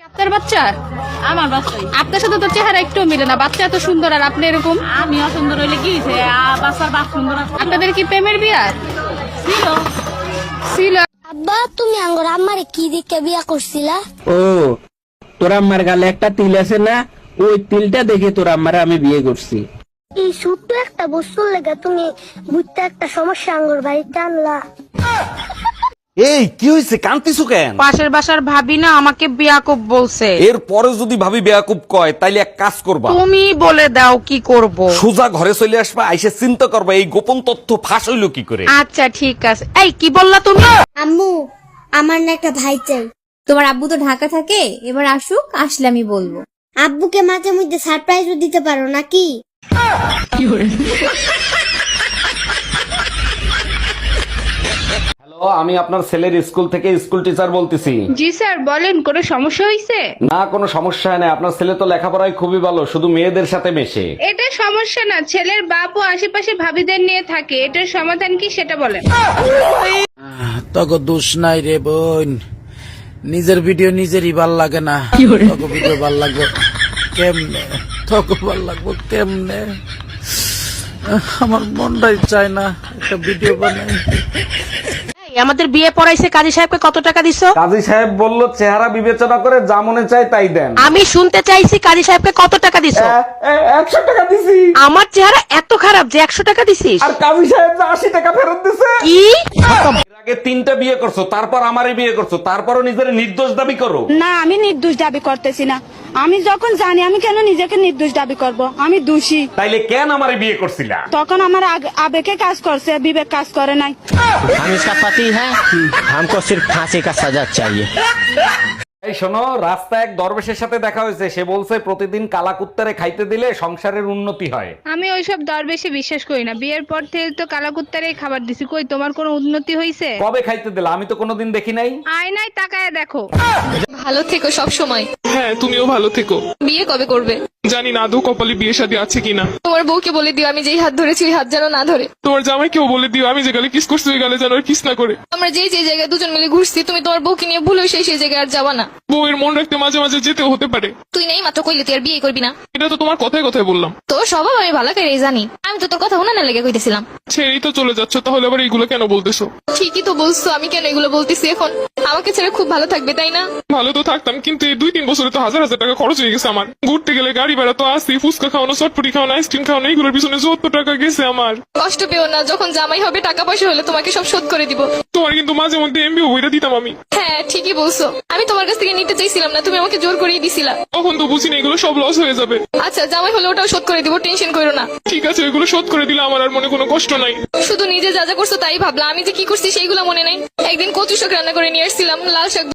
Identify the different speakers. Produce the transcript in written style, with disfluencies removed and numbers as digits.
Speaker 1: আপনার বাচ্চা?
Speaker 2: আমার বাচ্চাই।
Speaker 1: আপনার সাথে তো চেহারা একটু মিলে না, বাচ্চা এত সুন্দর আর আপনি এরকম।
Speaker 2: আমি অসুন্দর হইলে কি হয়েছে? বাচ্চার বাপ সুন্দর আছে।
Speaker 1: আপনাদের কি প্রেমের বিয়া
Speaker 2: ছিল।
Speaker 1: ছিল?
Speaker 3: আব্বা তুমি আঙ্গর আমারে কি দিকে বিয়া করছিলা?
Speaker 4: ও তোর আম্মার গালে একটা তিল আছে না, ওই তিলটা দেখে তোর আম্মারে আমি বিয়ে করছি।
Speaker 3: এই ছোট্ট একটা বস্তুর লেগে তুমি বুঝতে একটা সমস্যা আঙ্গর বাড়িতে আনলা।
Speaker 5: এই কি হয়েছে, কান্তিছু কেন?
Speaker 6: পাশের বাসার ভাবি না আমাকে বিয়াকুব বলছে।
Speaker 5: এর পরে যদি ভাবি বেয়াকুব কয় তাইলে এক কাজ করবা,
Speaker 6: তুমি বলে দাও কি করব।
Speaker 5: সোজা ঘরে চলে আসবা, আইসে চিন্তা করবা এই গোপন তথ্য ফাঁস হইলো কি করে।
Speaker 6: আচ্ছা ঠিক আছে। এই কি বললা তুমি?
Speaker 3: আম্মু আমার না একটা ভাই চাই।
Speaker 7: তোমার আব্বু তো ঢাকা থাকে, এবার আসুক, আসলে আমি বলবো।
Speaker 3: আব্বুকে মাঝে মধ্যে সারপ্রাইজও দিতে পারো নাকি?
Speaker 5: হ্যালো, আমি আপনার ছেলের স্কুল থেকে স্কুল টিচার বলতেছি।
Speaker 1: জি স্যার বলেন, কোনো সমস্যা হয়েছে?
Speaker 5: না কোনো সমস্যা নেই, আপনার ছেলে তো লেখাপড়ায় খুবই ভালো, শুধু মেয়েদের সাথে মেশে।
Speaker 1: এটা সমস্যা না, ছেলের বাপ ও আশেপাশে ভাবিদের নিয়ে থাকে, এটার সমাধান কি সেটা বলেন।
Speaker 8: তক দোষ নাই রে বোন, নিজের ভিডিও নিজেরই ভাল লাগে না। তক ভিডিও ভাল লাগবে কেমনে, তক ভাল লাগবে কেমনে, আমার মনটাই চায় না একটা ভিডিও বানাই।
Speaker 6: আমাদের বিয়ে পড়াইছে, কাজী সাহেবকে কত টাকা দিছো?
Speaker 5: কাজী সাহেব বলল চেহারা বিবেচনা করে যা মনে চায় তাই দেন।
Speaker 6: আমি শুনতে চাইছি কাজী সাহেবকে কত টাকা দিছো?
Speaker 5: 100 টাকা দিছি।
Speaker 6: আমার চেহারা এত খারাপ যে 100 টাকা দিছিস?
Speaker 5: আর কাজী সাহেব 80 টাকা ফেরত দিছে।
Speaker 6: কি?
Speaker 5: এর আগে 3টা বিয়ে করছো, তারপর আমারে বিয়ে করছো, তারপরও নিজের নির্দোষ দাবি করো।
Speaker 9: না আমি নির্দোষ দাবি করতেছি না। আমি যখন জানি আমি কেন নিজেকে নির্দোষ দাবি করব, আমি দোষী।
Speaker 5: তাইলে কেন আমারে বিয়ে করছিলা?
Speaker 9: তখন আমার আবেগে কাজ করছে, বিবেক কাজ করে নাই।
Speaker 10: हम इसका पति है, हमको सिर्फ फांसी का सजा चाहिए।
Speaker 5: এই শোনো, রাস্তায় এক দরবেশের সাথে দেখা হয়েছে, সে বলছে প্রতিদিন কালাকুত্তারে খাইতে দিলে সংসারের উন্নতি হয়।
Speaker 1: আমি ওইসব দরবেশে বিশ্বাস করি না, বিয়ের পর থেকে তো কালাকুত্তারেই খাবার দিছি, কই তোমার কোনো উন্নতি হয়েছে?
Speaker 5: কবে খাইতে দিলা? আমি তো কোনোদিন দেখি নাই।
Speaker 1: আয়নায় তাকায় দেখো।
Speaker 7: ভালো থেকো সব সময়।
Speaker 11: হ্যাঁ তুমিও ভালো থেকো।
Speaker 7: বিয়ে কবে করবে?
Speaker 11: জানি না আদৌ কপালে বিয়ে শাদী আছে কিনা।
Speaker 7: তোমার বউকে বলে দিও আমি যেই হাত ধরেছি ওই হাত যেন না ধরে।
Speaker 11: তোমার জামাইকেও বলে দিও আমি যে গালে কিস করছি ওই গালে যেন আর কিস না করে।
Speaker 7: আমরা যেই যে জায়গায় দুজন মিলে ঘুরছি, তুমি তোমার বউকে নিয়ে ভুলেও সেই জায়গায় আর যাবা না।
Speaker 11: বউয়ের মন রাখতে মাঝে মাঝে যেতেও হতে পারে।
Speaker 7: তুই নেই মাত্র কইলে তুই আর বিয়ে করবি না?
Speaker 11: এটা তো তোমার কথায় কথায় বললাম।
Speaker 7: তোর স্বভাব আমি ভালো করে জানি, আমি তো তোর কথা উনানে লেগে কইতেছিলাম।
Speaker 11: ছেড়েই তো চলে যাচ্ছ, তাহলে আবার এইগুলো কেন বলতেছো?
Speaker 7: ঠিকই তো বলছো, আমি কেন এগুলো বলতেছি এখন? আমাকে ছেড়ে খুব ভালো থাকবে তাই না?
Speaker 11: ভালো তো থাকতাম, কিন্তু এই 2-3 বছরে তো হাজার হাজার টাকা খরচ হয়ে গেছে আমার। ঘুরতে গেলে গাড়ি ভাড়া তো আসি, ফুচকা খাওয়ানো, চটপটি খাওয়ানো, আইসক্রিম খাওয়ানো, এইগুলোর পিছনে 70 টাকা গেছে আমার।
Speaker 7: কষ্ট পেও না, যখন জামাই হবে টাকা পয়সা হলে তোমাকে সব শোধ করে দিব।
Speaker 11: তোমার কিন্তু মাঝে মধ্যে এমবি বইটা দিতাম আমি।
Speaker 7: হ্যাঁ ঠিকই বলছো, আমি তোমার কাছ থেকে নিতে চাইছিলাম না, তুমি আমাকে জোর করেই দিছিলা।
Speaker 11: তখন তো বুঝিনি এগুলো সব লস হয়ে যাবে।
Speaker 7: আচ্ছা জামাই হলে ওটাও শোধ করে দিব, টেনশন করো না।
Speaker 11: ঠিক আছে, ওইগুলো শোধ করে দিলে আমার আর মনে কোনো কষ্ট নাই।
Speaker 7: শুধু নিজে যা যা করছো তাই ভাবলা, আমি যে কি করছি সেইগুলো মনে নাই। একদিন কচু শাক রান্না করে নিয়ে আসছিলাম, লাল শাক